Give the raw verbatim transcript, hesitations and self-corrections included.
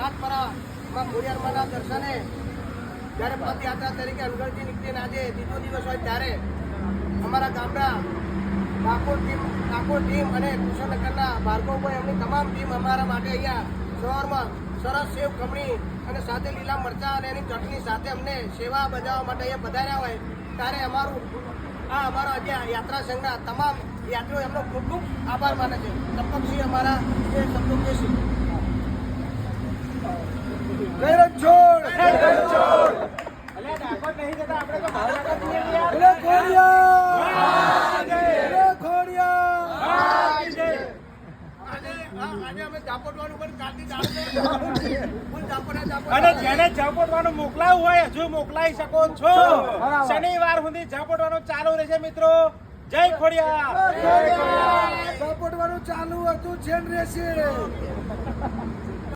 રાતપરામાં ખોડિયારમાંના દર્શને જ્યારે પદયાત્રા તરીકે અનગઢથી નીકળીને આજે ત્રીજો દિવસ હોય ત્યારે અમારા ગામના ડાકોર ટીમ ડાકોર ટીમ અને કુશળનગરના ભાર્ગવભાઈ એમની તમામ ટીમ અમારા માટે અહીંયા સવારમાં સરસ સેવ ખમણી અને સાથે લીલા મરચાં અને એની ચટણી સાથે અમને સેવા બજાવવા માટે અહીંયા પધાર્યા હોય ત્યારે અમારું આ અમારા આજે યાત્રા સંઘના તમામ યાત્રીઓ એમનો ખૂબ ખૂબ આભાર માને છે. તપકસિંહ અમારા એ શબ્દો કહેશે. અને જેને ઝાપટવાનું મોકલાવું હોય હજુ મોકલાઈ શકો છો. શનિવાર સુધી ઝાપટવાનું ચાલુ રહેશે મિત્રો. જય ખોડિયાર. ઝાપટવાનું ચાલુ હતું છે રહેશે.